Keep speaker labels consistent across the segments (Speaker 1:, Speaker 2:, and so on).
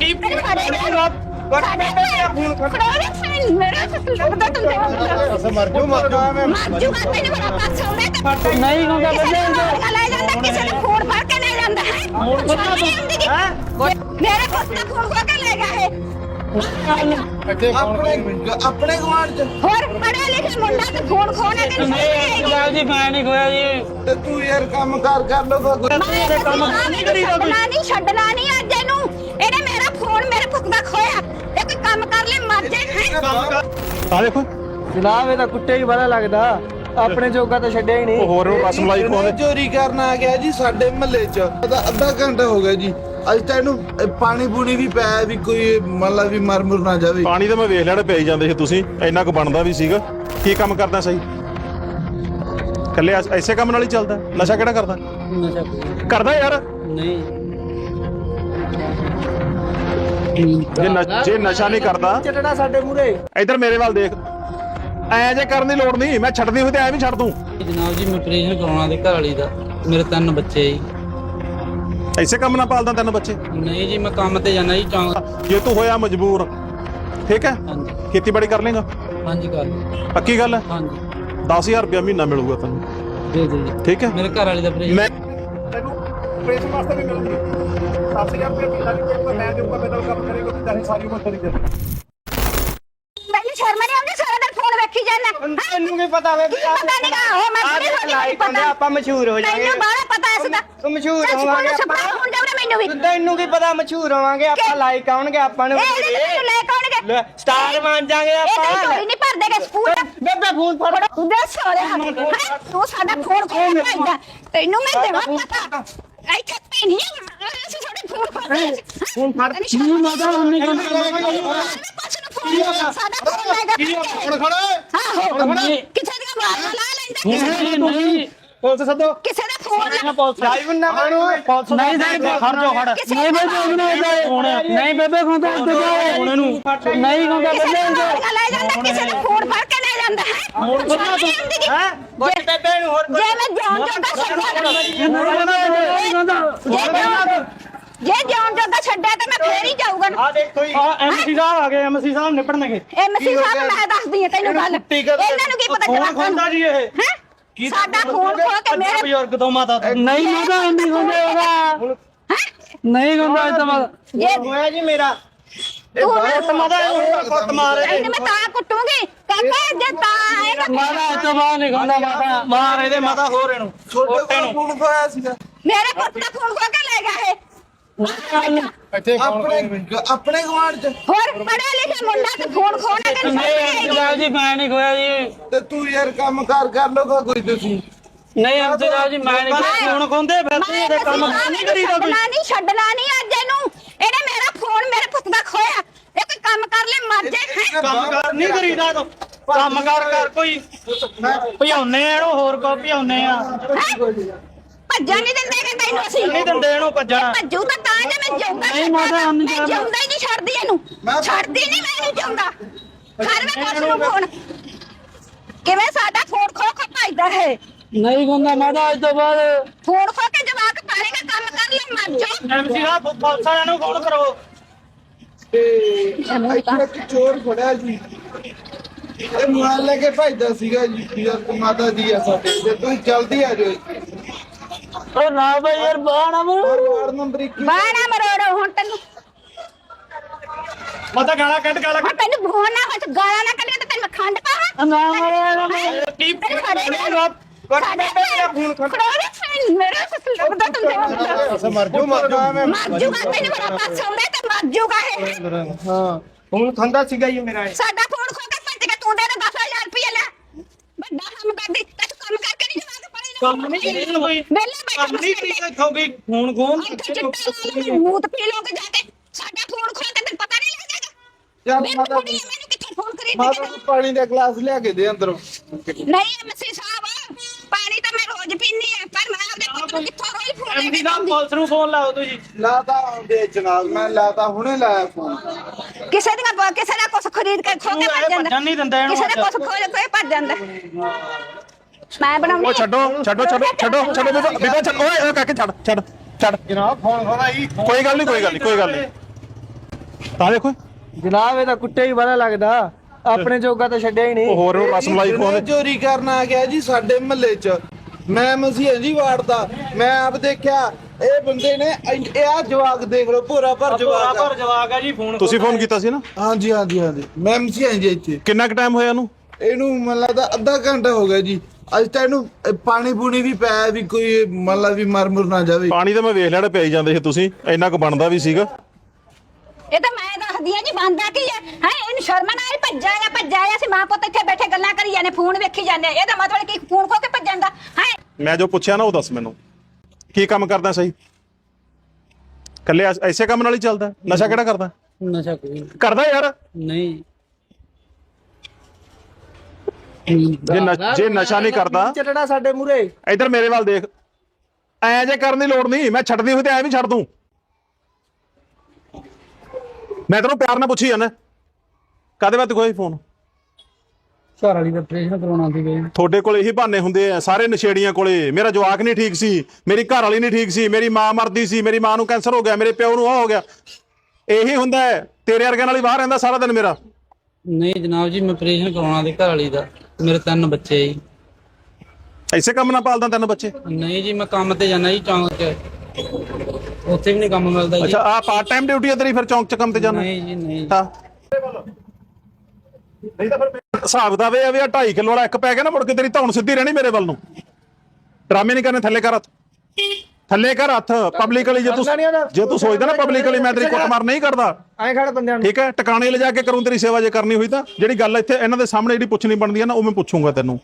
Speaker 1: अपने गवांढ च
Speaker 2: ਹੋਰ ਪੜਿਆ ਲਿਖਿਆ ਮੁੰਡਾ ਤੇ ਫੋਨ ਖੋਣਾ ਤੇ
Speaker 3: ਜੀ ਮੈਂ ਨਹੀਂ ਖੋਇਆ ਜੀ
Speaker 1: ਤੇ ਤੂੰ ਯਾਰ ਕੰਮ ਕਰ ਲੋਗਾ
Speaker 2: ਨਹੀਂ ਕਰੀਦਾ ਨਹੀਂ ਛੱਡਣਾ ਨਹੀਂ ਅੱਜ ਇਹਨੂੰ ਇਹਨੇ ਮੇਰਾ ਫੋਨ ਮੇਰੇ ਪੁੱਤ ਦਾ ਖੋਇਆ ਇਹ ਕੋਈ ਕੰਮ ਕਰ ਲੈ ਮਰ ਜਾਏ
Speaker 3: ਆ ਦੇਖੋ
Speaker 4: ਜਨਾਬ ਇਹਦਾ ਕੁੱਤੇ ਹੀ ਬੜਾ ਲੱਗਦਾ ਆਪਣੇ ਜੋਗਾ ਤਾਂ ਛੱਡਿਆ ਹੀ ਨਹੀਂ
Speaker 3: ਹੋਰ ਨੂੰ ਕਸਮ ਲਾਈ ਖੋਦੇ
Speaker 1: ਚੋਰੀ ਕਰਨ ਆ ਗਿਆ ਜੀ ਸਾਡੇ ਮਹੱਲੇ ਚ ਅੱਧਾ ਘੰਟਾ ਹੋ ਗਿਆ ਜੀ ਅੱਜ ਤਾਂ ਇਹਨੂੰ ਪਾਣੀ ਪੂਣੀ ਵੀ ਪਿਆ ਵੀ ਕੋਈ ਮਤਲਬ ਵੀ ਮਰ ਮੁਰ ਨਾ ਜਾਵੇ
Speaker 3: ਪਾਣੀ ਤਾਂ ਮੈਂ ਵੇਖ ਲੈਣਾ ਪਈ ਜਾਂਦੇ ਸੀ ਤੁਸੀਂ ਇੰਨਾ ਕੁ ਬਣਦਾ ਵੀ ਸੀਗਾ ਕੀ ਕੰਮ ਕਰਦਾ ਸਹੀ ਕੱਲੇ ਐਸੇ ਕੰਮ ਨਾਲ ਹੀ ਚੱਲਦਾ ਨਸ਼ਾ ਕਿਹੜਾ ਕਰਦਾ
Speaker 4: ਨਸ਼ਾ
Speaker 3: ਕਰਦਾ ਯਾਰ
Speaker 4: ਨਹੀਂ
Speaker 3: ਜੇ ਨਸ਼ਾ ਨਹੀਂ ਕਰਦਾ
Speaker 4: ਚਟਣਾ ਸਾਡੇ ਮੂਰੇ
Speaker 3: ਇੱਧਰ ਮੇਰੇ ਵੱਲ ਦੇਖ ਐ ਜੇ ਕਰਨ ਦੀ ਲੋੜ ਨਹੀਂ ਮੈਂ ਛੱਡਦੀ ਹੋਈ ਤੇ ਐ ਵੀ ਛੱਡ ਦੂੰ
Speaker 4: ਜਨਾਬ ਜੀ ਮੈਂ ਆਪਰੇਸ਼ਨ ਕਰਾਉਣਾ ਦੇ ਘਰ ਵਾਲੀ ਦਾ ਮੇਰੇ 3 ਬੱਚੇ ਜੀ
Speaker 3: ਐਸੇ ਕੰਮ ਨਾਲ ਪਾਲਦਾ 3 ਬੱਚੇ
Speaker 4: ਨਹੀਂ ਜੀ ਮੈਂ ਕੰਮ ਤੇ ਜਾਣਾ ਜੀ ਚੌਂਕ
Speaker 3: ਜੇ ਤੂੰ ਹੋਇਆ ਮਜਬੂਰ ਠੀਕ ਹੈ
Speaker 4: ਹਾਂਜੀ
Speaker 3: ਖੇਤੀਬਾੜੀ ਕਰ ਲੇਗਾ
Speaker 4: ਹਾਂਜੀ ਕਰ ਲਓ।
Speaker 3: ਪੱਕੀ ਗੱਲ ਹੈ
Speaker 4: ਹਾਂਜੀ
Speaker 3: 10000 ਰੁਪਇਆ ਮਹੀਨਾ ਮਿਲੂਗਾ ਤੈਨੂੰ
Speaker 4: ਦੇ ਦਿਓ ਜੀ
Speaker 3: ਠੀਕ ਹੈ
Speaker 4: ਮੇਰੇ ਘਰ ਵਾਲੀ ਦਾ ਆਪਰੇਸ਼ਨ
Speaker 3: ਮੈਂ ਤੈਨੂੰ ਆਪਰੇਸ਼ਨ ਵਾਸਤੇ ਵੀ ਮਿਲੂਗੀ 10000 ਰੁਪਇਆ ਮਹੀਨਾ ਵੀ ਜੇ ਮੈਂ ਦੇਊਗਾ ਮੇਰੇ ਨਾਲ ਕੰਮ ਕਰੇਗਾ ਤੇ ਤੇਰੀ ਸਾਰੀ ਉਮਰ ਤੇਰੀ ਚੱਲੇਗੀ
Speaker 2: ਮੈਨੂੰ ਸ਼ਰਮ ਨਹੀਂ ਆਉਂਦੀ ਸਾਰਾ ਦਿਨ ਫੋਨ ਵੇਖੀ ਜਾਂਦਾ
Speaker 4: ਤੈਨੂੰ ਕੀ ਪਤਾ ਵੇ
Speaker 2: ਪਤਾ ਨਹੀਂ ਕਾ ਹੋ ਮੈਂ
Speaker 4: ਲਾਈਕ ਹੁੰਦੇ ਆਪਾਂ ਮਸ਼ਹੂਰ ਹੋ ਜਾਵਾਂਗੇ
Speaker 2: ਤੈਨੂੰ ਬਾਹਲਾ ਪਤਾ ਇਸ ਦਾ
Speaker 4: ਤੂੰ ਮਸ਼ਹੂਰ ਹੋਵਾਂਗੇ
Speaker 2: ਸਪਨਾ ਹੁਣ ਜਾਵੜੇ ਮੈਨੂੰ ਵੀ
Speaker 4: ਤੈਨੂੰ ਕੀ ਪਤਾ ਮਸ਼ਹੂਰ ਹੋਵਾਂਗੇ ਆਪਾਂ ਲਾਈਕ ਆਉਣਗੇ ਆਪਾਂ ਨੂੰ
Speaker 2: ਇਹ ਲੈ ਕੌਣਗੇ
Speaker 4: ਸਟਾਰ ਬਣ ਜਾਾਂਗੇ
Speaker 2: ਇਹ
Speaker 4: ਆਪਾਂ
Speaker 2: ਕੋਈ ਨਹੀਂ ਭਰਦੇ ਕੇ ਸਕੂਲ
Speaker 4: ਬੇਬੇ ਫੋਨ ਫੜ
Speaker 2: ਤੂੰ ਦੇ ਸਾਰੇ ਹੱਥ ਤੂੰ ਸਾਡਾ ਫੋਨ ਖੋਲ ਭਾਈਦਾ ਤੈਨੂੰ ਮੈਂ ਦੇਵਾਂ ਪਤਾ ਇੱਥੇ ਤੇ ਨਹੀਂ ਅਸੀਂ ਸਾਡੇ ਫੋਨ ਫੜਦੇ
Speaker 4: ਫੋਨ ਫੜ ਨਹੀਂ ਮਾਦਾ ਉਹਨੇ
Speaker 2: ਸਾਡਾ ਫੋਨ ਲੈ ਕੇ
Speaker 3: ਹੁਣ ਖੜਾ
Speaker 2: ਆਹੋ ਕਿਸੇ ਦੀ ਆਵਾਜ਼ ਲਾ ਲੈਂਦਾ
Speaker 4: ਨਹੀਂ
Speaker 3: ਪੁਲਿਸ ਸੱਦੋ
Speaker 2: ਕਿਸੇ ਦਾ ਫੋਨ
Speaker 4: ਲਾਈਵ ਨਾ ਬਣੋ ਨਹੀਂ ਖੜ ਜਾ ਖੜ ਨਹੀਂ ਬੇਬੇ ਨਹੀਂ ਬੇਬੇ ਖੁੰਦਾ ਉਹਨੇ ਨੂੰ ਨਹੀਂ ਖੁੰਦਾ
Speaker 2: ਕਿਸੇ
Speaker 4: ਬੇਬੇ
Speaker 2: ਦਾ ਲੈ ਜਾਂਦਾ ਕਿਸੇ ਦਾ ਫੋਨ ਫੜ ਕੇ ਲੈ ਜਾਂਦਾ ਹੈ
Speaker 4: ਹੈ ਬੋਲ ਬੇਬੇ ਨੂੰ ਹੋਰ
Speaker 2: ਜੇ ਮੈਂ ਜਾਣ ਜੋਗਾ ਛੱਡਿਆ ਜੇ ਜਾਣ ਜੋਗਾ ਛੱਡਿਆ ਤਾਂ ਮੈਂ ਫੇਰ ਹੀ ਜਾਊਗਾ
Speaker 4: ਆ ਦੇਖੋ ਜੀ ਐਮਸੀ ਸਾਹਿਬ ਆ ਗਏ ਐਮਸੀ ਸਾਹਿਬ ਨਿਪੜਨਗੇ
Speaker 2: ਐਮਸੀ ਸਾਹਿਬ ਮੈਂ ਦੱਸਦੀ ਹਾਂ ਤੈਨੂੰ ਗੱਲ ਇਹਨਾਂ ਨੂੰ ਕੀ ਪਤਾ ਜਵਾਕਾਂ ਨੂੰ
Speaker 4: ਜੀ ਇਹ
Speaker 2: ਹੈ ਸਾਡਾ ਫੋਨ ਖੋ ਕੇ ਮੇਰੇ
Speaker 4: ਬਜ਼ੁਰਗ ਤੋਂ ਮਾਤਾ ਨਹੀਂ ਮਾਤਾ ਨਹੀਂ ਹੁੰਦੇ ਉਹਦਾ ਨਹੀਂ ਹੁੰਦਾ ਇਹ ਤਾਂ
Speaker 2: ਜੇ
Speaker 4: ਹੋਇਆ ਜੀ ਮੇਰਾ
Speaker 2: ਤੂੰ
Speaker 4: ਮਾਤਾ ਕੁੱਟ ਮਾਰੇ
Speaker 2: ਇਹਨੇ ਮੈਂ ਤਾਂ ਕੁੱਟੂਗੀ ਕਾਕਾ ਜੇ ਤਾਂ ਆਏਗਾ
Speaker 4: ਮਾਤਾ ਇਹ ਤੋਂ ਬਾਹਰ ਨਹੀਂ ਹੁੰਦਾ ਮਾਤਾ ਮਾਰ ਇਹਦੇ ਮਾਤਾ ਹੋਰ ਇਹਨੂੰ
Speaker 1: ਛੋਟੇ ਨੂੰ ਫੋਨ ਖੋਇਆ ਸੀਗਾ
Speaker 2: ਮੇਰੇ ਪੁੱਤ ਦਾ ਫੋਨ ਖੋ ਕੇ ਲੈ ਗਿਆ ਇਹ
Speaker 1: ਆਪਣੇ ਗਵਾਂਢ ਚ
Speaker 2: ਹੋਰ ਪੜਿਆ ਲਿਖਿਆ ਮੁੰਡਾ ਤੇ ਫੋਨ ਖੋਣਾ ਤੇ
Speaker 4: ਜਨਾਬ ਜੀ ਮੈਂ ਨਹੀਂ ਖੋਇਆ ਜੀ
Speaker 1: ਤੇ ਤੂੰ ਯਾਰ ਕੰਮ ਕਰ ਲੋਗਾ ਕੋਈ ਤੁਸੀਂ
Speaker 4: ਨਹੀਂ ਜਨਾਬ ਜੀ ਮੈਂ ਨਹੀਂ ਫੋਨ ਖੋਂਦੇ ਫਿਰ ਤੂੰ ਇਹਦੇ ਕੰਮ ਨਹੀਂ ਕਰੀਦਾ ਕੋਈ
Speaker 2: ਨਹੀਂ ਛੱਡਣਾ ਨਹੀਂ ਅੱਜ ਇਹਨੂੰ ਇਹਨੇ ਮੇਰਾ ਫੋਨ ਮੇਰੇ ਪੁੱਤ ਦਾ ਖੋਇਆ ਇਹ ਕੋਈ ਕੰਮ ਕਰ ਲੈ ਮਰ ਜਾਏ
Speaker 4: ਕੰਮ ਕਰ ਨਹੀਂ ਕਰੀਦਾ ਤੂੰ ਕੰਮ ਕਰ ਕੋਈ ਭਜਾਉਨੇ ਆ ਇਹਨੂੰ ਹੋਰ ਕੋ ਭਜਾਉਨੇ ਆ
Speaker 2: ਭੱਜਣ ਨਹੀਂ ਦਿੰਦੇ ਕਿ ਤੈਨੂੰ ਅਸੀਂ
Speaker 4: ਨਹੀਂ ਦਿੰਦੇ ਇਹਨੂੰ ਭੱਜਣਾ
Speaker 2: ਭੱਜੂ ਤਾਂ ਜੇ ਮੈਂ ਜਾਊਂਗਾ
Speaker 4: ਨਹੀਂ ਮਾਤਾ
Speaker 2: ਮੈਂ ਜਾਊਂਗਾ ਹੀ ਨਹੀਂ ਛੱਡਦੀ ਇਹਨੂੰ ਛੱਡਦੀ ਨਹੀਂ ਮੈਂ ਨਹੀਂ ਜਾਊਂਗਾ ਕਰ ਮੈਂ ਕੁਛ ਨੂੰ ਫੋਨ ਕਿਵੇਂ ਸਾਡਾ ਫੋਨ ਖੋ ਖੋ ਭੱਜਦਾ ਹੈ
Speaker 4: ਨਹੀਂ ਹੁੰਦਾ ਮਾਤਾ ਅੱਜ ਤੋਂ ਬਾਅਦ
Speaker 2: ਫੋਨ ਖੋ ਕੇ ਜਵਾਕ ਪਾਏਗਾ ਕੰਮ ਕਰ ਲੈ ਮਰ ਜਾ
Speaker 4: ਐਮਸੀ ਸਾਹਿਬ ਪੁਲਿਸ ਵਾਲਿਆਂ ਨੂੰ ਫੋਨ ਕਰੋ
Speaker 1: ਤੇ ਇੱਕ ਚੋਰ ਫੜਿਆ ਜੀ ਇਹ ਮੋਬਾਈਲ ਲੈ ਕੇ ਭੱਜਦਾ ਸੀਗਾ ਜੀ ਯਾਰ ਮਾਤਾ ਜੀ ਆ ਸਾਡੇ ਤੇ ਤੁਸੀਂ ਜਲਦੀ ਆ ਜਾਓ
Speaker 4: ਉਹ ਨਾ ਬਈ ਯਾਰ ਬਾਣਾ
Speaker 1: ਵਾਰਡ ਨੰਬਰ 21
Speaker 2: ਬਾਣਾ ਮਰੋੜੋ ਹੁਣ ਤੈਨੂੰ
Speaker 3: ਮਾਤਾ ਗਾਲਾਂ ਕੱਢ ਗਾਲਾਂ
Speaker 2: ਹੁਣ ਤੈਨੂੰ ਫੋਨ ਨਾ ਹੋ ਗਾਲਾਂ ਨਾ ਕੱਢੇ ਤਾਂ ਤੈਨੂੰ ਮੈਂ ਖੰਡ ਪਾਵਾਂ
Speaker 4: ਨਾ ਮਾਰਾ
Speaker 3: ਕੀ
Speaker 2: ਸਾਡੇ ਫੋਨ ਮੇਰੇ ਲੱਗਦਾ ਤੂੰ
Speaker 1: ਮਰ ਜੂਗਾ
Speaker 2: ਮਰ ਜੂਗਾ ਤੈਨੂੰ ਬੜਾ ਪਾਸ ਆਉਂਦਾ ਤੇ ਮਰ ਜੂਗਾ ਇਹ
Speaker 4: ਹਾਂ ਹੁਣ ਖੰਦਾ ਸੀਗਾ ਜੀ ਮੇਰਾ
Speaker 2: ਸਾਡਾ ਫੋਨ ਖੋ ਕੇ ਭੱਜ ਗਿਆ ਤੂੰ ਦੇ 10,000 ਰੁਪਏ ਲੈ ਵੱਡਾ ਕੰਮ ਕਰਦੀ ਤੇ ਤੂੰ ਕੰਮ ਕਰਕੇ ਨਹੀਂ ਜਵਾਕ ਪੜੇ
Speaker 4: ਕੰਮ ਨਹੀਂ ਕਰੀਦਾ ਕੋਈ
Speaker 2: ਵੇਲੇ ਬੈਠਾ
Speaker 4: ਕੰਮ ਨਹੀਂ ਕਰੀਦਾ ਇੱਥੋਂ ਵੀ ਫੋਨ ਖੋਨ
Speaker 2: ਮੂਤ ਪੀ ਲੋਗੇ ਜਾ ਕੇ ਸਾਡਾ ਫੋਨ ਖੋ ਕੇ ਤੈਨੂੰ ਪਤਾ ਨਹੀਂ ਲੱਗਦਾ
Speaker 1: ਯਾਰ
Speaker 2: ਮੈਨੂੰ
Speaker 1: ਮਾਤਾ
Speaker 2: ਕੁੜੀ ਮੈਨੂੰ ਕਿੱਥੇ ਫੋਨ ਕਰੀ
Speaker 1: ਮਾਤਾ ਨੂੰ ਪਾਣੀ ਦਾ ਗਲਾਸ ਲਿਆ ਕੇ ਦੇ ਅੰਦਰੋਂ
Speaker 2: ਨਹੀਂ ਐਮਸੀ ਸਾਹਿਬ ਪਾਣੀ ਤਾਂ ਮੈਂ ਰੋਜ਼ ਪੀਨੀ ਆ ਪਰ ਮੈਂ ਆਪਦੇ ਪੁੱਤ ਨੂੰ ਕਿੱਥੋਂ ਰੋਜ਼ ਫੋਨ ਲੈ
Speaker 4: ਐਮਸੀ
Speaker 2: ਕੇ
Speaker 4: ਸਾਹਿਬ ਪੁਲਿਸ ਨੂੰ ਫੋਨ ਲਾਓ ਤੁਸੀਂ
Speaker 1: ਲਾਤਾ ਦੇ ਜਨਾਬ ਮੈਂ ਲਾਤਾ ਹੁਣੇ ਲਾਇਆ ਫੋਨ
Speaker 2: ਕਿਸੇ ਦਾ ਕੁਛ ਖਰੀਦ ਕੇ ਖੋ ਕੇ ਭੱਜ ਜਾਂਦਾ
Speaker 4: ਭੱਜਣ ਨਹੀਂ ਦਿੰਦਾ ਇਹਨੂੰ
Speaker 2: ਕਿਸੇ ਦਾ ਕੁਛ ਖੋ ਕੇ ਭੱਜ ਜਾਂਦਾ ਮੈਂ ਬਣਾਉਂਦੀ
Speaker 3: ਉਹ ਛੱਡੋ ਬੀਬਾ ਛੱਡ ਓਏ ਕਾਕੇ ਛੱਡ
Speaker 1: ਜਨਾਬ ਫੋਨ ਖੋਦਾ ਜੀ
Speaker 3: ਕੋਈ ਗੱਲ ਨਹੀਂ ਤਾਂ ਦੇਖੋ
Speaker 4: ਜਨਾਬ ਇਹਦਾ ਕੁੱਤੇ ਹੀ ਬੜਾ ਲੱਗਦਾ, ਆਪਣੇ ਜੋਗਾ ਤਾਂ ਛੱਡਿਆ ਹੀ
Speaker 3: ਉਹ
Speaker 4: ਨਹੀਂ।
Speaker 3: ਹੋਰ ਰਸਮਲਾਈ
Speaker 1: ਇਹਨੇ
Speaker 3: ਖਵਾਉਂਦੇ।
Speaker 1: ਚੋਰੀ ਕਰਨ ਆ ਗਿਆ ਜੀ ਸਾਡੇ ਮਹੱਲੇ 'ਚ। ਮੈਂ ਮਸੀਹ ਜੀ ਵਾਰਡ ਦਾ, ਮੈਂ ਆਪ ਦੇਖਿਆ ਇਹ ਬੰਦੇ ਨੇ ਇਹ ਆ ਜਵਾਕ ਦੇਖ ਲਓ, ਭੋਰਾ ਭਰ ਜਵਾਕ ਆ।
Speaker 4: ਜਵਾਕ ਆ ਜੀ। ਫੋਨ
Speaker 3: ਤੁਸੀਂ ਫੋਨ ਕੀਤਾ ਸੀ ਨਾ?
Speaker 1: ਹਾਂਜੀ ਹਾਂਜੀ ਹਾਂਜੀ, ਮੈਂ ਮਸੀਹ ਜੀ ਇੱਥੇ।
Speaker 3: ਕਿੰਨਾ ਕੁ ਟਾਈਮ ਹੋਇਆ ਇਹਨੂੰ?
Speaker 1: ਇਹਨੂੰ ਮੈਨੂੰ ਲੱਗਦਾ ਅੱਧਾ ਘੰਟਾ ਹੋ ਗਿਆ ਜੀ। ਅੱਜ ਤਾਂ ਇਹਨੂੰ ਪਾਣੀ ਪੂਣੀ ਵੀ ਪਿਆ ਵੀ ਕੋਈ ਮਤਲਬ ਵੀ ਮਰ ਮੁਰ ਨਾ ਜਾਵੇ।
Speaker 3: ਪਾਣੀ ਤਾਂ ਮੈਂ ਵੇਖ ਲੈਣਾ ਪਿਆਈ ਜਾਂਦੇ ਸੀ ਤੁਸੀਂ, ਇੰਨਾ ਕੁ ਬਣਦਾ ਵੀ ਸੀਗਾ।
Speaker 2: ਇਹ ਤਾਂ ਮੈਂ ਦੱਸਦੀ ਆ ਜੀ, ਬੰਦਾ ਕੀ ਹੈ ਇਹਨੂੰ ਸ਼ਰਮ ਨਾ ਆਈ, ਭੱਜਿਆ ਆ ਸੀ ਮਾਂ ਪੁੱਤ ਇੱਥੇ ਬੈਠੇ ਗੱਲਾਂ ਕਰੀ ਜਾਂਦੇ, ਫੋਨ ਵੇਖੀ ਜਾਂਦੇ। ਇਹਦਾ ਮਤਲਬ ਕੀ ਫੋਨ ਖੋ ਕੇ ਭੱਜਣ ਦਾ ਹੈ?
Speaker 3: ਮੈਂ ਜੋ ਪੁੱਛਿਆ ਨਾ ਉਹ ਦੱਸ ਮੈਨੂੰ, ਕੀ ਕੰਮ ਕਰਦਾ ਸਹੀ? ਕੱਲੇ ਐਸੇ ਕੰਮ ਨਾਲ ਹੀ ਚੱਲਦਾ? ਨਸ਼ਾ ਕਿਹੜਾ ਕਰਦਾ?
Speaker 4: ਨਸ਼ਾ ਕੋਈ
Speaker 3: ਕਰਦਾ ਯਾਰ।
Speaker 4: ਨਹੀਂ।
Speaker 3: ਜੇ ਨਸ਼ਾ ਨਹੀਂ ਕਰਦਾ
Speaker 4: ਚੱਲਣਾ ਸਾਡੇ ਮੂਰੇ।
Speaker 3: ਇੱਧਰ ਮੇਰੇ ਵੱਲ ਦੇਖ, ਐ ਜੇ ਕਰਨ ਦੀ ਲੋੜ ਨਹੀਂ, ਮੈਂ ਛੱਡਦੀ ਹੋਈ ਤੇ ਐ ਵੀ ਛੱਡ ਦੂੰ। ਮੈਂ ਤੈਨੂੰ ਪਿਆਰ ਨਾਲ ਪੁੱਛੀ ਜਾਂਦਾ, ਕਾਹਦੇ ਵਾਸਤੇ ਕੋਈ ਫੋਨ?
Speaker 4: ਘਰ ਵਾਲੀ ਦਾ ਆਪਰੇਸ਼ਨ ਕਰਾਉਣਾ ਸੀ ਗਏ।
Speaker 3: ਤੁਹਾਡੇ ਕੋਲ ਇਹੀ ਬਹਾਨੇ ਹੁੰਦੇ ਆ ਸਾਰੇ ਨਸ਼ੇੜੀਆਂ ਕੋਲੇ। ਮੇਰਾ ਜਵਾਕ ਨਹੀਂ ਠੀਕ ਸੀ, ਮੇਰੀ ਘਰ ਵਾਲੀ ਨਹੀਂ ਠੀਕ ਸੀ, ਮੇਰੀ ਮਾਂ ਮਰਦੀ ਸੀ, ਮੇਰੀ ਮਾਂ ਨੂੰ ਕੈਂਸਰ ਹੋ ਗਿਆ, ਮੇਰੇ ਪਿਓ ਨੂੰ ਆ ਹੋ ਗਿਆ। ਇਹੀ ਹੁੰਦਾ ਹੈ। ਤੇਰੇ ਵਰਗਿਆਂ ਨਾਲ ਹੀ ਬਾਹਰ ਰਹਿੰਦਾ ਸਾਰਾ ਦਿਨ ਮੇਰਾ।
Speaker 4: ਨਹੀਂ ਜਨਾਬ ਜੀ, ਮੈਂ ਆਪਰੇਸ਼ਨ ਕਰਾਉਣਾ ਸੀ ਘਰ ਵਾਲੀ ਦਾ, ਮੇਰੇ 3 ਬੱਚੇ ਜੀ।
Speaker 3: ਐਸੇ ਕੰਮ ਨਾਲ ਪਾਲਦਾ 3 ਬੱਚੇ?
Speaker 4: ਨਹੀਂ ਜੀ, ਮੈਂ ਕੰਮ ਤੇ ਜਾਣਾ ਜੀ ਚੌਂਕ 'ਚ, ਉੱਥੇ ਵੀ ਨਹੀਂ ਕੰਮ ਮਿਲਦਾ ਜੀ।
Speaker 3: ਅੱਛਾ, ਆ ਪਾਰਟ ਟਾਈਮ ਡਿਊਟੀ ਹੈ ਤੇਰੀ, ਫਿਰ ਚੌਂਕ 'ਚ ਕੰਮ ਤੇ ਜਾਣਾ?
Speaker 4: ਨਹੀਂ ਜੀ ਨਹੀਂ।
Speaker 3: ਹਾਂ, ਨਹੀਂ ਤਾਂ ਫਿਰ ਹਿਸਾਬ ਦਾ ਵੇ ਆ ਵੀ 2.5 ਕਿਲੋ ਵਾਲਾ ਇੱਕ ਪੈ ਗਿਆ ਨਾ, ਮੁੜ ਕੇ ਤੇਰੀ ਧੌਣ ਸਿੱਧੀ ਰਹਿਣੀ ਮੇਰੇ ਵੱਲ ਨੂੰ। ਡਰਾਮੇ ਨਹੀਂ ਕਰਨੇ, ਥੱਲੇ ਕਰ ਹੱਥ, ਥੱਲੇ ਕਰ ਹੱਥ। ਪਬਲਿਕਲੀ ਜੇ ਤੂੰ ਸੋਚਦਾ ਨਾ ਪਬਲਿਕਲੀ ਮੈਂ ਤੇਰੀ ਕੁੱਟਮਾਰ ਨਹੀਂ ਕਰਦਾ,
Speaker 4: ਐਂ ਖੜ ਬੰਦਿਆਂ ਨੂੰ।
Speaker 3: ਠੀਕ ਹੈ, ਟਿਕਾਣੇ ਲਿਜਾ ਕੇ ਕਰੂੰ ਤੇਰੀ ਸੇਵਾ ਜੇ ਕਰਨੀ ਹੋਈ ਤਾਂ। ਜਿਹੜੀ ਗੱਲ ਇੱਥੇ ਇਹਨਾਂ ਦੇ ਸਾਹਮਣੇ ਜਿਹੜੀ ਪੁੱਛਣੀ ਬਣਦੀ ਹੈ ਨਾ, ਉਹ ਮੈਂ ਪੁੱਛੂੰਗਾ ਤੈਨੂੰ।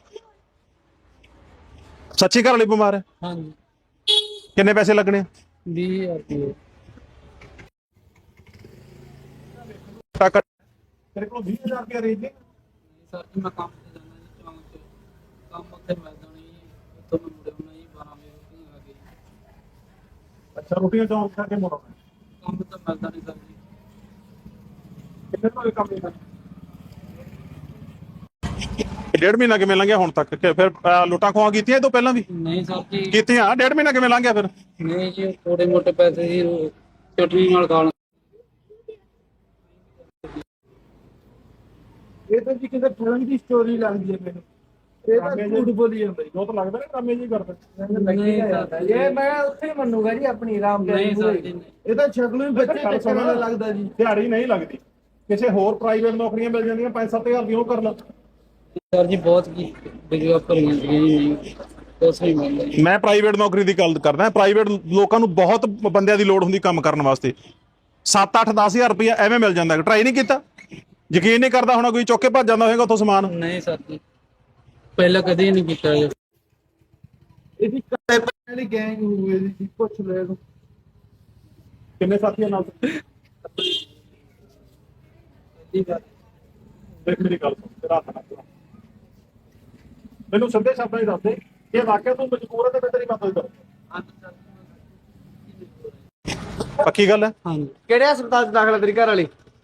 Speaker 3: ਸੱਚੀ ਘਰ ਵਾਲੀ ਬਿਮਾਰ ਹੈ?
Speaker 4: ਹਾਂਜੀ।
Speaker 3: ਕਿੰਨੇ ਪੈਸੇ ਲੱਗਣੇ?
Speaker 4: 20,000 ਰੁਪਏ।
Speaker 3: ਤੇਰੇ ਕੋਲ 20,000 ਰੁਪਏ ਰੇਂਜ ਨੇ?
Speaker 4: ਸਰ ਜੀ ਮੈਂ ਕੰਮ ਤੇ ਜਾਣਾ ਜੀ ਚੌਂਕ 'ਚ, ਕੰਮ ਉੱਥੇ ਮਿਲਦਾ ਨਹੀਂ ਜੀ, ਉੱਥੋਂ ਮੈਂ ਮੁੜੇ ਹੋਣਾ ਜੀ 12 ਵਜੇ ਆ ਕੇ।
Speaker 3: ਅੱਛਾ, ਰੋਟੀਆਂ ਚੌਂਕ ਕਰਕੇ ਮੋੜਾਂ
Speaker 4: ਕੰਮ ਤਾਂ ਮਿਲਦਾ ਨਹੀਂ ਸਰ ਜੀ।
Speaker 3: ਕਿੰਨੇ ਤੋਂ ਕੰਮ ਨਹੀਂ ਕਰਦਾ? 1.5 ਮਹੀਨਾ ਕਿਵੇਂ ਲੰਘਿਆ ਹੁਣ ਤੱਕ? ਕਿ ਫਿਰ ਲੁੱਟਾਂ ਖੋਹਾਂ ਕੀਤੀਆਂ ਇਹ ਤੋਂ ਪਹਿਲਾਂ ਵੀ?
Speaker 4: ਨਹੀਂ ਸਰ ਜੀ।
Speaker 3: ਕੀਤੀਆਂ। 1.5 ਮਹੀਨਾ ਕਿਵੇਂ ਲੰਘਿਆ ਫਿਰ?
Speaker 4: ਨਹੀਂ ਜੀ, ਥੋੜੇ ਮੋਟੇ ਪੈਸੇ ਜੀ ਚਟਨੀ ਨਾਲ ਖਾ ਲਾਂ।
Speaker 1: ਇਹ ਤਾਂ ਜੀ ਕਿਸੇ ਫਿਲਮ ਦੀ ਸਟੋਰੀ ਲੱਗਦੀ ਹੈ ਮੈਨੂੰ। ਇਹ ਤਾਂ ਝੂਠ ਬੋਲੀ ਜਾਂਦਾ ਜੀ।
Speaker 3: ਜੋ ਤਾਂ ਲੱਗਦਾ ਨਾ ਡਰਾਮੇ ਜੀ ਕਰਦਾ।
Speaker 4: ਨਹੀਂ ਸਰ ਜੀ।
Speaker 1: ਇਹ ਮੈਂ ਉੱਥੇ ਮੰਨੂਗਾ ਜੀ ਆਪਣੀ ਆਰਾਮ ਦੇ।
Speaker 4: ਨਹੀਂ ਸਰ ਜੀ ਨਹੀਂ।
Speaker 1: ਇਹ ਤਾਂ ਸ਼ਕਲੋਂ ਹੀ ਬੱਚੇ ਚੱਕਣ ਵਾਲਾ ਲੱਗਦਾ ਜੀ।
Speaker 3: ਦਿਹਾੜੀ ਨਹੀਂ ਲੱਗਦੀ, ਕਿਸੇ ਹੋਰ ਪ੍ਰਾਈਵੇਟ ਨੌਕਰੀਆਂ ਮਿਲ ਜਾਂਦੀਆਂ 5-7 ਹਜ਼ਾਰ ਦੀ, ਉਹ ਕਰ ਲਾ।
Speaker 4: ਸਰ ਜੀ ਬਹੁਤ ਕੀ ਡਿਗਰੀਆਂ ਭਰੀਆਂ ਸੀਗੀਆਂ ਜੀ, ਨਹੀਂ ਕੁਛ ਨਹੀਂ ਮਿਲਦਾ ਜੀ।
Speaker 3: ਮੈਂ ਪ੍ਰਾਈਵੇਟ ਨੌਕਰੀ ਦੀ ਗੱਲ ਕਰਦਾ। ਪ੍ਰਾਈਵੇਟ ਲੋਕਾਂ ਨੂੰ ਬਹੁਤ ਬੰਦਿਆਂ ਦੀ ਲੋੜ ਹੁੰਦੀ ਕੰਮ ਕਰਨ ਵਾਸਤੇ। 7-8-10 ਹਜ਼ਾਰ ਰੁਪਇਆ ਐਵੇਂ ਮਿਲ ਜਾਂਦਾ। ਟਰਾਈ ਨਹੀਂ ਕੀਤਾ? ਯਕੀਨ ਨਹੀਂ ਕਰਦਾ ਹੋਣਾ ਕੋਈ, ਚੁੱਕ ਕੇ ਭੱਜ ਜਾਂਦਾ ਹੋਏਗਾ ਉੱਥੋਂ ਸਮਾਨ।
Speaker 4: ਨਹੀਂ ਸਰ ਜੀ, ਪਹਿਲਾਂ ਕਦੇ ਨਹੀਂ ਕੀਤਾ ਜੀ।
Speaker 1: ਇਹਦੀ ਕੱਟੇ ਵਾਲੀ ਗੈਂਗ ਹੋਵੇ ਜੀ, ਪੁੱਛ ਲੈ ਇਹਨੂੰ।
Speaker 3: ਕਿੰਨੇ ਸਾਥੀਆਂ ਨਾਲ? ਦੇਖ ਮੇਰੀ ਗੱਲ ਸੁਣ, ਤੇਰਾ ਹੱਥ ਨਾ ਚਲਾ। ਮੈਨੂੰ ਸਿੱਧੇ ਸ਼ਬਦਾਂ ਹੀ ਦੱਸ ਦੇ, ਜੇ ਵਾਕਿਆ ਤੂੰ ਮਜਬੂਰ ਹੈ ਤੇ ਮੈਂ ਤੇਰੀ ਮਦਦ ਕਰਾਂ। ਪੱਕੀ ਗੱਲ ਹੈ?
Speaker 4: ਹਾਂਜੀ।
Speaker 1: ਕਿਹੜੇ ਹਸਪਤਾਲ 'ਚ ਦਾਖਲ ਤੇਰੀ ਘਰ ਵਾਲੀ?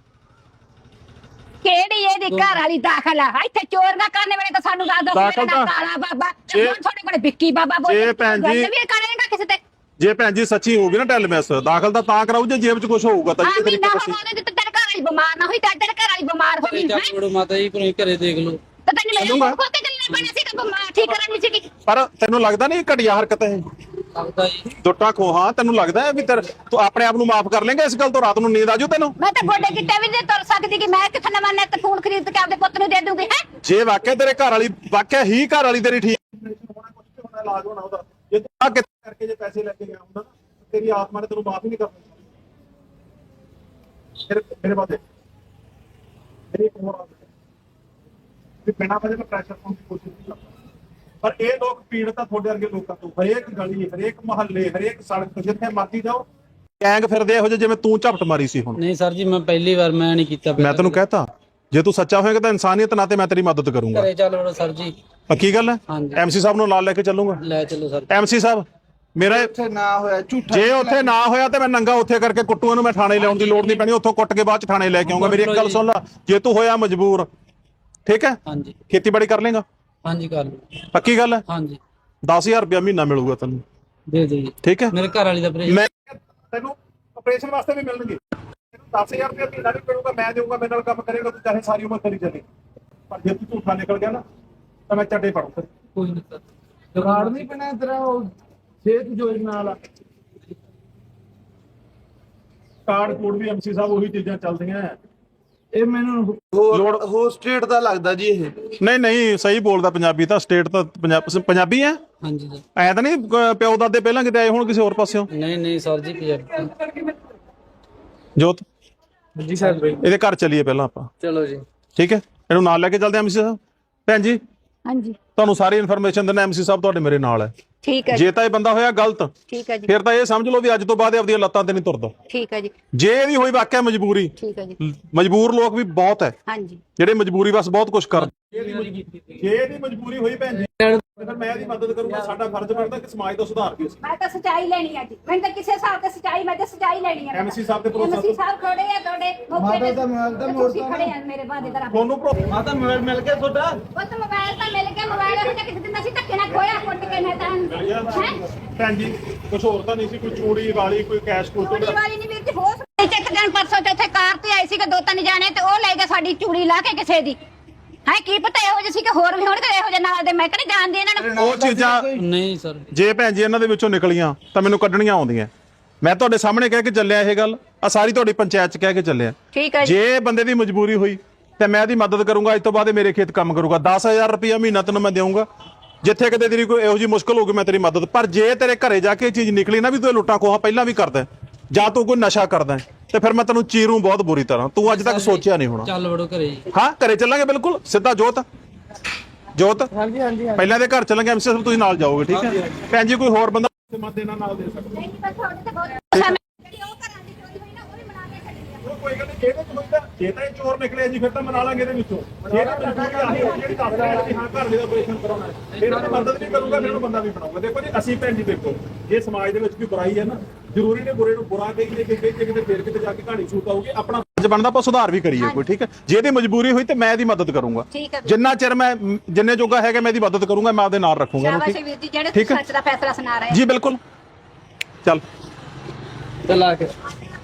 Speaker 2: ਕਿਹੜੀ ਇਹਦੀ ਘਰ ਵਾਲੀ ਦਾਖਲ ਆ? ਇੱਥੇ ਚੋਰ ਨਾ ਕਰਨੇ ਵੇਲੇ ਤਾਂ ਸਾਨੂੰ ਦੱਸ ਦੋ।
Speaker 3: ਦਾਖਲ ਤਾਂ-
Speaker 2: ਕਾਲਾ ਬਾਬਾ
Speaker 3: ਜੇ-
Speaker 2: ਤੁਹਾਡੇ ਕੋਲ ਵਿੱਕੀ ਬਾਬਾ ਬੋਲੇ।
Speaker 3: ਜੇ ਭੈਣ ਜੀ-
Speaker 2: ਗੱਲ ਵੀ ਕਰੇਗਾ ਕਿਸੇ ਤੇ?
Speaker 3: ਜੇ ਭੈਣ ਜੀ ਸੱਚੀ ਹੋਊਗੀ ਨਾ ਟੈਲਮੈਸ, ਦਾਖਲ ਤਾਂ ਕਰਾਊ ਜੇ ਜੇਬ 'ਚ ਕੁਝ ਹੋਊਗਾ ਤਾਂ।
Speaker 2: ਆ
Speaker 3: ਜੇ ਤੇਰੀ
Speaker 2: ਮਹੀਨਾ
Speaker 3: ਪਤਾ ਸੀ
Speaker 2: ਹੋਣਾ ਤੇ ਤੇਰੇ ਘਰ ਵਾਲੀ ਬਿਮਾਰ ਨਾ ਹੋਈ ਤਾਂ ਤੇਰੇ ਘਰ ਵਾਲੀ ਬਿਮਾਰ ਹੋ ਗਈ ਹੈ।
Speaker 4: ਚੱਲ ਮਾਤਾ ਜੀ ਕੋਈ ਘਰੇ ਦੇਖ ਲਓ।
Speaker 2: ਤਾਂ ਤੈਨੂੰ ਮੇਰੇ
Speaker 3: ਚੱਲੂਗਾ।
Speaker 2: ਕੋਲ ਤੇ ਚੱਲਣਾ ਪੈਣਾ ਸੀ ਕਿ ਬਿਮਾਰ ਠੀਕ ਕਰਨੀ ਸੀਗੀ।
Speaker 3: ਪਰ ਤੈਨੂੰ ਲੱਗਦਾ ਨਹੀਂ ਘਟੀਆ ਹਰਕਤ ਹੈ?
Speaker 4: ਲੱਗਦਾ ਜੀ।
Speaker 3: ਦੁੱਟਾ ਖੋਹਾਂ ਤੈਨੂੰ ਲੱਗਦਾ ਹੈ ਵੀ ਤੂੰ ਆਪਣੇ ਆਪ ਨੂੰ ਮਾਫ ਕਰ ਲੇਂਗਾ ਇਸ ਗੱਲ ਤੋਂ? ਰਾਤ ਨੂੰ ਨੀਂਦ ਆਜੂ ਤੈਨੂੰ?
Speaker 2: ਮੈਂ ਤਾਂ ਗੋਡੇ ਗਿੱਟੇ ਵੀ ਨਹੀਂ ਤੁਰ ਸਕਦੀ ਕਿ ਮੈਂ ਕਿੱਥੇ ਨਵਾਂ ਨੈਟ ਫੋਨ ਖਰੀਦ ਕੇ ਆਪਦੇ ਪੁੱਤ ਨੂੰ ਦੇ ਦੂੰਗੀ ਹੈ।
Speaker 3: ਜੇ ਵਾਕਿਆ ਤੇਰੇ ਘਰ ਵਾਲੀ, ਵਾਕਿਆ ਹੀ ਘਰ ਵਾਲੀ ਤੇਰੀ ਠੀਕ ਹੋਣਾ, ਕੁਝ ਤੇ ਹੋਣਾ, ਇਲਾਜ ਹੋਣਾ ਉਹਦਾ, ਜੇ ਤੂੰ ਆ ਕਿਤੇ ਕਰਕੇ ਜੇ ਪੈਸੇ ਲੈ ਕੇ ਗਿਆ ਹੁੰਦਾ ਨਾ, ਤੇਰੀ ਆਤਮਾ ਨੇ ਤੈਨੂੰ ਮਾਫ ਹੀ ਨਹੀਂ ਕਰਨੀ। ਫਿਰ ਮੇਰੇ ਬਾਅਦ ਮੇਰੀ ਇੱਕ ਹੋਰ ਆਦਤ ਹੈ ਵੀ ਬਿਨਾਂ ਵਜ੍ਹਾ ਤੋਂ ਪ੍ਰੈਸ਼ਰ ਪਾਉਣ ਦੀ ਕੋਸ਼ਿਸ਼ ਨਹੀਂ ਕਰਦਾ। ਪਰ ਇਹ ਲੋਕ ਪੀੜਤ ਆ ਤੁਹਾਡੇ ਵਰਗੇ ਲੋਕਾਂ ਤੋਂ। ਹਰੇਕ ਗਲੀ, ਹਰੇਕ ਮੁਹੱਲੇ, ਹਰੇਕ ਸੜਕ, ਜਿੱਥੇ ਮਰਜ਼ੀ ਜਾਓ ਗੈਂਗ ਫਿਰਦੇ ਇਹੋ ਜਿਹੇ ਜਿਵੇਂ ਤੂੰ ਝਪਟ ਮਾਰੀ ਸੀ ਹੁਣ।
Speaker 4: ਨਹੀਂ ਸਰ ਜੀ, ਮੈਂ ਪਹਿਲੀ ਵਾਰ ਮੈਂ ਨਹੀਂ ਕੀਤਾ।
Speaker 3: ਮੈਂ ਤੈਨੂੰ ਕਹਿਤਾ ਜੇ ਤੂੰ ਸੱਚਾ ਹੋਏਗਾ ਤਾਂ ਇਨਸਾਨੀਅਤ ਨਾਤੇ ਮੈਂ ਤੇਰੀ ਮਦਦ ਕਰੂੰਗਾ।
Speaker 4: ਘਰੇ ਚੱਲ ਵੜੋ ਸਰ ਜੀ।
Speaker 3: ਪੱਕੀ ਗੱਲ ਹੈ?
Speaker 4: ਹਾਂਜੀ।
Speaker 3: ਐਮਸੀ ਸਾਹਿਬ ਨੂੰ ਨਾਲ ਲੈ ਕੇ ਚੱਲੂੰਗਾ।
Speaker 4: ਲੈ ਚਲੋ ਸਰ।
Speaker 3: ਐਮਸੀ ਸਾਹਿਬ ਮੇਰਾ
Speaker 1: ਉੱਥੇ ਨਾ ਹੋਇਆ ਝੂਠਾ।
Speaker 3: ਜੇ ਉੱਥੇ ਨਾ ਹੋਇਆ ਤੇ ਮੈਂ ਨੰਗਾ ਉੱਥੇ ਕਰਕੇ ਕੁੱਟੂਆਂ ਨੂੰ ਮੈਂ ਥਾਣੇ ਲਿਆਉਣ ਦੀ ਲੋੜ ਨਹੀਂ ਪੈਣੀ। ਉੱਥੋਂ ਕੁੱਟ ਕੇ ਬਾਅਦ ਚ ਥਾਣੇ ਲੈ ਕੇ ਆਉਂਗਾ। ਮੇਰੀ ਇੱਕ ਗੱਲ ਸੁਣ ਲੈ, ਜੇ ਤੂੰ ਹੋਇਆ ਮਜਬੂਰ, ਠੀਕ ਹੈ,
Speaker 4: ਹਾਂਜੀ।
Speaker 3: ਖੇਤੀਬਾੜੀ ਕਰ ਲੇਗਾ?
Speaker 4: ਹਾਂਜੀ ਕਰ ਲਓ।
Speaker 3: ਪੱਕੀ ਗੱਲ ਹੈ?
Speaker 4: ਹਾਂਜੀ
Speaker 3: 10,000 ਰੁਪਇਆ ਮਹੀਨਾ ਮਿਲੂਗਾ ਤੈਨੂੰ,
Speaker 4: ਦੇ ਦਿਓ ਜੀ।
Speaker 3: ਠੀਕ ਹੈ?
Speaker 4: ਮੇਰੇ ਘਰ ਵਾਲੀ ਦਾ ਆਪਰੇਸ਼ਨ।
Speaker 3: ਮੈਂ ਤੈਨੂੰ ਆਪਰੇਸ਼ਨ ਵਾਸਤੇ ਵੀ ਮਿਲਣਗੇ। 10,000 ਰੁਪਏ ਮਹੀਨਾ ਵੀ ਮਿਲੂਗਾ, ਮੈਂ ਦੇਊਗਾ, ਮੇਰੇ ਨਾਲ ਕੰਮ ਕਰੇਗਾ, ਤੂੰ ਚਾਹੇ ਸਾਰੀ ਉਮਰ ਕਰੀ ਚੱਲੇ। ਪਰ ਜੇ ਤੂੰ ਝੂਠਾ ਨਿਕਲ ਗਿਆ ਨਾ ਤਾਂ ਮੈਂ ਚੱਡੇ ਪੜੂ।
Speaker 1: ਕੋਈ ਨਹੀਂ ਸਰ, ਕਾਰਡ ਨਹੀਂ ਬਣਿਆ ਤੇਰਾ ਉਹ ਸਿਹਤ ਯੋਜਨਾ ਵਾਲਾ?
Speaker 3: ਕਾਰਡ ਕੋਡ ਵੀ ਐਮਸੀ ਸਾਹਿਬ ਉਹੀ ਚੀਜ਼ਾਂ ਚੱਲਦੀਆਂ।
Speaker 1: ਇਹ ਮੈਨੂੰ ਹੋਰ ਸਟੇਟ ਦਾ ਲੱਗਦਾ ਜੀ ਇਹ।
Speaker 3: ਨਹੀਂ ਸਹੀ ਬੋਲਦਾ, ਪੰਜਾਬੀ ਤਾਂ ਸਟੇਟ ਤਾਂ ਪੰਜਾਬੀ ਹੈ।
Speaker 4: ਹਾਂਜੀ ਸਰ।
Speaker 3: ਐ ਤਾਂ ਨਹੀਂ ਪਿਓ ਦਾਦੇ ਪਹਿਲਾਂ ਕਿਤੇ ਆਏ ਹੁਣ ਕਿਸੇ ਹੋਰ ਪਾਸਿਓਂ?
Speaker 4: ਨਹੀਂ ਸਰ ਜੀ ਪੰਜਾਬੀ।
Speaker 3: ਜੋਤ
Speaker 4: ਜੀ ਸਰ
Speaker 3: ਇਹਦੇ ਘਰ ਚੱਲੀਏ ਪਹਿਲਾਂ ਆਪਾਂ।
Speaker 4: ਚਲੋ ਜੀ
Speaker 3: ਠੀਕ ਹੈ, ਇਹਨੂੰ ਨਾਲ ਲੈ ਕੇ ਚੱਲਦੇ ਐਮਸੀ ਸਾਹਿਬ। ਭੈਣ ਜੀ
Speaker 2: ਹਾਂਜੀ
Speaker 3: ਤੁਹਾਨੂੰ ਸਾਰੀ ਇਨਫੋਰਮੇਸ਼ਨ ਦਿੰਦਾ, ਐਮਸੀ ਸਾਹਿਬ ਤੁਹਾਡੇ ਮੇਰੇ ਨਾਲ ਹੈ।
Speaker 2: ਠੀਕ ਹੈ
Speaker 3: ਜੇ ਤਾਂ ਇਹ ਬੰਦਾ ਹੋਇਆ ਗਲਤ,
Speaker 2: ਠੀਕ ਹੈ ਜੀ,
Speaker 3: ਫਿਰ ਤਾਂ ਇਹ ਸਮਝ ਲਓ ਵੀ ਅੱਜ ਤੋਂ ਬਾਅਦ ਇਹ ਆਪਣੀਆਂ ਲੱਤਾਂ ਤੇ ਨਹੀਂ ਤੁਰਦਾ।
Speaker 2: ਠੀਕ ਹੈ ਜੀ,
Speaker 3: ਜੇ ਇਹਦੀ ਹੋਈ ਵਾਕਿਆ ਮਜਬੂਰੀ,
Speaker 2: ਠੀਕ ਹੈ ਜੀ,
Speaker 3: ਮਜਬੂਰ ਲੋਕ ਵੀ ਬਹੁਤ ਹੈ
Speaker 2: ਹਾਂਜੀ
Speaker 3: ਜਿਹੜੇ ਮਜਬੂਰੀ ਬਸ ਬਹੁਤ ਕੁਝ ਕਰਦੇ। ਜੇ ਇਹਦੀ ਮਜਬੂਰੀ ਹੋਈ ਭੈਣ ਜੀ ਫਿਰ ਮੈਂ ਇਹਦੀ ਮਦਦ ਕਰੂੰਗਾ। ਸਾਡਾ ਫਰਜ਼ ਬਣਦਾ ਕਿ ਸਮਾਜ ਦਾ ਸੁਧਾਰ ਵੀ ਅਸੀਂ।
Speaker 2: ਮੈਂ ਤਾਂ ਸਚਾਈ ਲੈਣੀ ਆ ਜੀ, ਮੈਨੂੰ ਤਾਂ ਕਿਸੇ ਹਿਸਾਬ ਤੇ ਸਚਾਈ, ਮੈਂ ਤਾਂ ਸਚਾਈ ਲੈਣੀ ਆ।
Speaker 3: ਐਮਸੀ ਸਾਹਿਬ ਤੇ ਭਰੋਸਾ
Speaker 2: ਐਮਸੀ ਸਾਹਿਬ ਖੜੇ ਆ ਤੁਹਾਡੇ
Speaker 1: ਮਾਤਾ ਦਾ ਮੋਬਾਈਲ ਤਾਂ
Speaker 2: ਤੁਸੀਂ
Speaker 1: ਮੋੜਤਾ
Speaker 2: ਖੜੇ ਆ ਮੇਰੇ ਬਾਦੇ ਦਾ ਰੱਬ।
Speaker 3: ਤੁਹਾਨੂੰ
Speaker 1: ਮਾਤਾ ਮੋਬਾਈਲ ਮਿਲ ਗਿਆ ਤੁਹਾਡਾ?
Speaker 2: ਉਹ ਤਾਂ ਮੋਬਾਈਲ ਤਾਂ ਮਿਲ ਗਿਆ, ਮੋਬਾਈਲ ਇਹੋ ਜਿਹਾ ਕਿਸੇ ਦਿਨ ਅਸੀਂ ਧੱਕੇ ਨਾਲ ਖੋਇਆ, ਕੁੱਟ ਕੇ ਨਾ ਤਾਂ ਹੈ
Speaker 3: ਭੈਣ ਜੀ ਕੁਝ ਹੋਰ ਤਾਂ ਨਹੀਂ ਸੀ, ਕੋਈ ਚੂੜੀ ਵਾਲੀ, ਕੋਈ ਕੈਸ਼ ਕੋਲ
Speaker 2: ਚੂੜੀ ਵਾਲੀ ਨਹੀਂ ਵੀਰ ਜੀ, ਹੋ ਸਕਦਾ ਇੱਕ ਦਿਨ ਪਰਸੋਂ ਤੇ ਇੱਥੇ ਕਾਰ ਤੇ ਆਏ ਸੀਗੇ 2-3 ਜਾਣੇ ਤੇ ਉਹ ਲੈ ਗਏ ਸਾਡੀ ਚੂੜੀ ਲਾ ਕੇ ਕਿਸੇ ਦੀ। ਹੈ ਕੀ ਪਤਾ ਇਹੋ ਜਿਹੇ ਸੀ ਕਿ ਹੋਰ ਵੀ ਹੋਣਗੇ ਇਹੋ ਜਿਹੇ ਨਾਲ ਦੇ, ਮੈਂ ਕਹਿੰਦੀ ਜਾਣਦੀ ਇਹਨਾਂ ਨੂੰ।
Speaker 3: ਉਹ ਚੀਜ਼ਾਂ
Speaker 4: ਨਹੀਂ ਸਰ
Speaker 3: ਜੇ ਭੈਣ ਜੀ ਇਹਨਾਂ ਦੇ ਵਿੱਚੋਂ ਨਿਕਲੀਆਂ ਤਾਂ ਮੈਨੂੰ ਕੱਢਣੀਆਂ ਆਉਂਦੀਆਂ। ਮੈਂ ਤੁਹਾਡੇ ਸਾਹਮਣੇ ਕਹਿ ਕੇ ਚੱਲਿਆ ਇਹ ਗੱਲ, ਆ ਸਾਰੀ ਤੁਹਾਡੀ ਪੰਚਾਇਤ ਚ ਕਹਿ ਕੇ ਚੱਲਿਆ।
Speaker 2: ਠੀਕ ਹੈ ਜੀ,
Speaker 3: ਜੇ ਬੰਦੇ ਦੀ ਮਜਬੂਰੀ ਹੋਈ ਤੇ ਮੈਂ ਇਹਦੀ ਮਦਦ ਕਰੂੰਗਾ। ਅੱਜ ਤੋਂ ਬਾਅਦ ਇਹ ਮੇਰੇ ਖੇਤ ਕੰਮ ਕਰੂਗਾ। 10,000 ਰੁਪਇਆ ਮਹੀਨਾ ਤੈਨੂੰ ਮੈਂ ਦੇਵਾਂਗਾ। ਜਿੱਥੇ ਕਿਤੇ ਤੇਰੀ ਕੋਈ ਇਹੋ ਜਿਹੀ ਮੁਸ਼ਕਲ ਹੋਊਗੀ ਮੈਂ ਤੇਰੀ ਮਦਦ। ਪਰ ਜੇ ਤੇਰੇ ਘਰੇ ਜਾ ਕੇ ਇਹ ਚੀਜ਼ ਨਿਕਲੀ ਨਾ ਵੀ ਤੂੰ ਲੁੱਟਾਂ ਖੋਹਾਂ ਪਹਿਲਾਂ ਵੀ ਕਰਦਾ ਜਾਂ ਤੂੰ ਕੋਈ ਨਸ਼ਾ ਕਰਦਾ ਤੇ ਫਿਰ ਮੈਂ ਤੈਨੂੰ ਚੀਰੂ ਬਹੁਤ ਬੁਰੀ ਤਰ੍ਹਾਂ। ਤੂੰ ਅੱਜ ਤੱਕ ਸੋਚਿਆ ਨਹੀਂ ਹੋਣਾ।
Speaker 4: ਚੱਲ ਵੜੋ ਘਰੇ ਜੀ।
Speaker 3: ਹਾਂ ਘਰੇ ਚੱਲਾਂਗੇ ਬਿਲਕੁਲ ਸਿੱਧਾ। ਜੋਤ
Speaker 1: ਹਾਂਜੀ ਹਾਂਜੀ
Speaker 3: ਪਹਿਲਾਂ ਦੇ ਘਰ ਚੱਲਾਂਗੇ। ਐਮਸੀ ਸਾਹਿਬ ਤੁਸੀਂ ਨਾਲ ਜਾਓਗੇ, ਠੀਕ ਹੈ ਭੈਣ ਜੀ? ਕੋਈ ਹੋਰ ਬੰਦਾ ਮਦਦ ਇਹਨਾਂ ਨਾਲ ਦੇ ਸਕਦਾ?
Speaker 2: ਨਹੀਂ ਬਸ ਤੁਹਾਡੇ ਤੇ ਬਹੁਤ ਜਿਹੜੀ ਉਹ ਘਰਾਂ ਦੀ ਚੋਰੀ ਹੋਈ ਨਾ ਉਹ ਵੀ ਮਨਾ ਕੇ ਛੱਡੀ ਆ।
Speaker 3: ਕੋਈ ਗੱਲ ਨਹੀਂ, ਇਹਦੇ ਚ ਹੋਈਦਾ ਜੇ ਤਾਂ ਇਹ ਚੋਰ ਨਿਕਲੇ ਜੀ ਫਿਰ ਤਾਂ ਮਨਾ ਲਾਂਗੇ ਇਹਦੇ ਵਿੱਚੋਂ। ਜੇ ਤਾਂ ਮਜਬੂਰੀ ਆਹੀ ਹੋਈ ਜਿਹੜੀ ਦੱਸਦਾ ਹੈ ਕਿ ਹਾਂ ਘਰ ਦੇ ਆਪਰੇਸ਼ਨ ਕਰਾਉਣਾ ਹੈ, ਫਿਰ ਉਹਦੀ ਮਦਦ ਨਹੀਂ ਕਰੂੰਗਾ, ਫਿਰ ਉਹਨੂੰ ਬੰਦਾ ਵੀ ਬਣਾਉਂਗਾ। ਦੇਖੋ ਜੀ ਅਸੀਂ ਭੈਣ ਜੀ ਦੇਖੋ, ਜੇ ਸਮਾਜ ਦੇ ਵਿੱਚ ਕੋਈ ਬੁਰਾਈ ਹੈ ਨਾ, ਜ਼ਰੂਰੀ ਨੇ ਬੁਰੇ ਨੂੰ ਬੁਰਾ ਕਹੀਏ ਕਿ ਕਿਤੇ ਫੇਰ ਕਿਤੇ ਜਾ ਕੇ ਕਹਾਣੀ ਸ਼ੂਟ ਆਊਗੀ। ਆਪਣਾ ਫਰਜ਼ ਬਣਦਾ ਆਪਾਂ ਸੁਧਾਰ ਵੀ ਕਰੀਏ ਕੋਈ, ਠੀਕ ਹੈ? ਜੇ ਇਹਦੀ ਮਜਬੂਰੀ ਹੋਈ ਤੇ ਮੈਂ ਇਹਦੀ ਮਦਦ ਕਰੂੰਗਾ।
Speaker 2: ਠੀਕ ਹੈ
Speaker 3: ਜਿੰਨਾ ਚਿਰ ਮੈਂ ਜਿੰਨੇ ਜੋਗਾ ਹੈਗਾ ਮੈਂ ਇਹਦੀ ਮਦਦ ਕਰੂੰਗਾ, ਮੈਂ ਆਪਦੇ ਨਾਲ ਰੱਖੂੰਗਾ।
Speaker 2: ਸ਼ਾਬਾਸ਼ ਵੀਰ ਜੀ, ਜਿਹੜੇ ਤੁਸੀਂ ਸੱਚ ਦਾ ਫੈਸਲਾ ਸੁਣਾ ਰਹੇ
Speaker 3: ਜੀ ਬਿਲਕੁਲ। ਚੱਲ
Speaker 4: ਚਲਾ ਕੇ